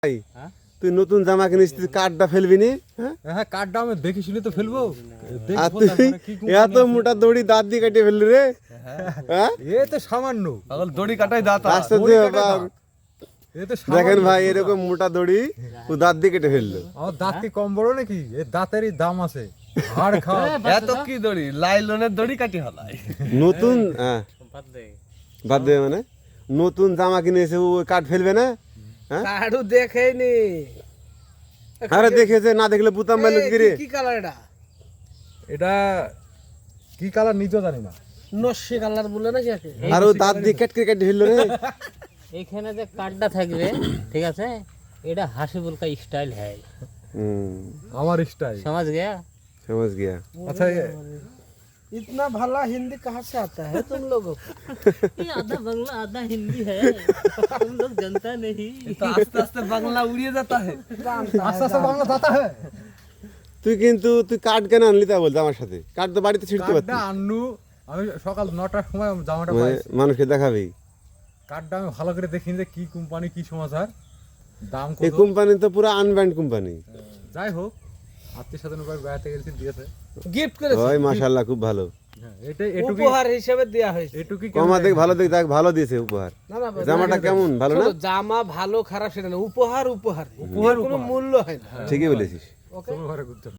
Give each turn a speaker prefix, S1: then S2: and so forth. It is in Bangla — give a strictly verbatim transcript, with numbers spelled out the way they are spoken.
S1: ভাই তুই নতুন জামা কিনিস তুই কার্ডটা ফেলবি নি?
S2: হ্যাঁ কার্ডটা আমি দেখি শুনে তো ফেলবো।
S1: আর তুই এত মোটা দড়ি দাঁত দিয়ে কেটে ফেললি রে? হ্যাঁ
S2: এ তো সামান্য
S3: পাগল দড়ি কাটাই দাঁত
S1: আস্তে
S2: দড়ি
S1: আস্তে
S2: কাটা
S1: বাবা,
S2: এ তো
S1: দেখেন ভাই এরকম মোটা দড়ি ও দাঁত দিয়ে কেটে ফেললো।
S2: আমার দাঁত কি কম বড় নাকি? এ দাঁতেরই দাম আছে, হাড় খাওয়া।
S3: এত কি দড়ি লাইলনের দড়ি কাটি হলাই
S1: নতুন হ্যাঁ বাদ দে মানে নতুন জামা কিনেছে ও কার্ড ফেলবে না? হ্যাঁ
S4: কাড়ু দেখেনি।
S1: আরে দেখেছে না দেখলে বুতাম মারলো কি রে?
S4: কি কালার এটা?
S2: এটা কি কালার নিজেও জানি না।
S4: নস্যি কালার বলে নাকি একে?
S1: আর ও দাঁত দিয়ে কেটে কেটে ফেললো রে।
S5: এখানে যে কার্ডটা থাকবে ঠিক আছে, এটা হাসিবুল কা স্টাইল है।
S1: হুম
S2: আমার স্টাইল
S5: समझ गया?
S1: समझ गया।
S2: আচ্ছা এ-
S4: इतना भला हिंदी कहाँ से आता है तुम लोगों को?
S5: ये आधा बांग्ला आधा हिंदी है, तुम लोग जानता नहीं।
S3: তো আস্তে আস্তে বাংলা উড়িয়ে যেতা হে
S2: আস্তে আস্তে বাংলা দাতা হ্যাঁ।
S1: তুই কিন্তু তুই কার্ড কেন আনলি তা বলতে আমার সাথে কার্ড তো বাড়িতে ছিড়তে পারতি,
S2: কার্ডটা আনলু আমি সকাল নটার সময় জামাটা
S1: মানে
S2: পাইছি।
S1: মানুষকে দেখাবি।
S2: কার্ডটা আমি ভালো করে দেখি যে কি কোম্পানি কি সমাচার দাম
S1: এই
S2: কত।
S1: কোম্পানি তো পুরো আনব্যান্ড কোম্পানি।
S2: যাই হোক আত্মীয় স্বজন উপায় বেড়াতে গেছি দিয়েছে।
S4: गिफ्ट करे
S1: ওই মাশাআল্লাহ খুব ভালো,
S2: হ্যাঁ এটা এটুকুই
S4: উপহার হিসেবে দেয়া হয়েছে।
S2: এটুকুই
S1: কমা দেখ ভালো দেখ দেখ ভালো দিয়েছে উপহার।
S4: না না
S1: জামাটা কেমন ভালো না?
S4: শোনো, জামা ভালো খারাপ সেটা না, উপহার উপহার
S2: উপহার
S4: কোনো
S2: উপহার।
S4: মূল্য হয় না।
S1: ঠিকই বলেছিস।
S2: তোমার ঘরে ঘুরতে